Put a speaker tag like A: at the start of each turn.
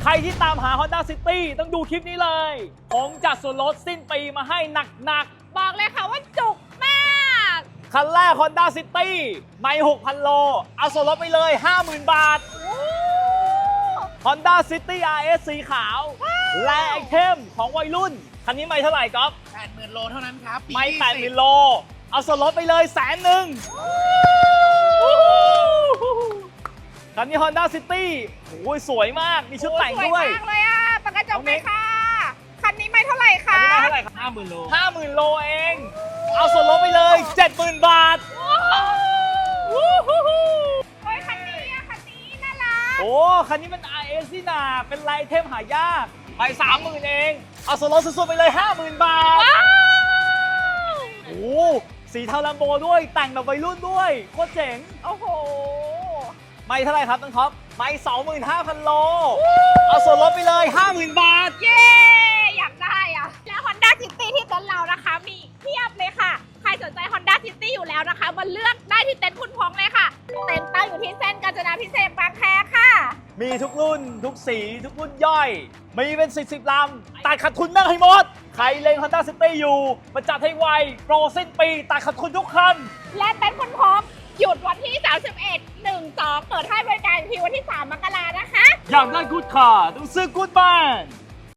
A: รที่ตามหา Honda City ต้องดูคลิปนี้เลยผมจัดส่วนลดสิ้นปีมาให้หนักๆ
B: บอกเลยค่ะว่าจุกมาก
A: คันแรก Honda City ไม่ 6,000 โล เอาส่วนลดไปเลย 50,000 บาท Honda City RS สีขาว และไอเทมของวัยรุ่น คันนี้ไม่เท่าไหร่ก๊อฟ
C: 80,000 โลเท่านั้นครับ
A: ไม่ 80,000 โล เอาส่วนลดไปเลย100,000คันนี้ Honda City โอ้ยสวยมาก มีชุดแต่ง
B: สวย
A: ด้วย
B: มากเลยอ่ะปากกระจกไหมค่ะคันนี้ไม่เท่าไหร่
A: คัน
B: คะ
A: นี้ไม่เท่าไหร่ครับ
C: 50,000 โล
A: 50,000 โลเอง เอาส่วนลดไปเลย 70,000 บาท
B: โอ้ยคันนี้อ่ะคันนี้น่ารัก
A: โอ้ คันนี้มัน RS นี่นาเป็นลายเทมหายาก ไป 30,000 เอง เอาส่วนลดสุดๆไปเลย 50,000 บาท
B: ว้าว
A: โอ้สีเทาลัมโบด้วย แต่งแบบวัยรุ่นด้วย โคตรเจ๋ง
B: โอ้โห
A: ไม่เท่าไหร่ครับน้องท็อป ไม่ 25,000 โล เอาส่วนลดไปเลย 50,000 บาท
B: เย้อยากได้อ่ะ แล้ว Honda City ที่เต็นท์เรานะคะ มีเพียบเลยค่ะ ใครสนใจ Honda City อยู่แล้วนะคะมาเลือกได้ที่เต็นท์คุณพงษ์เลยค่ะ เต็นท์ตั้งอยู่ที่เส้นกาญจนาพิเศษกบางแคค่ะ
A: มีทุกรุ่น ทุกสี ทุกรุ่นย่อย มีเป็น10 ลำ ตัดขาดทุนนั่งให้หมด ใครเล็ง Honda City อยู่มาจัดให้ไว โปรสิ้นปี ตัดขาดทุนทุกคัน
B: และเต็นท์คุณพงษ์หยุดวันที่ 31 1 2 เปิดให้บริการอีกทีวันที่ 3 มกรานะคะ
A: อยากได้กู๊ดคาร์ต้องซื้อกู๊ดบ้าน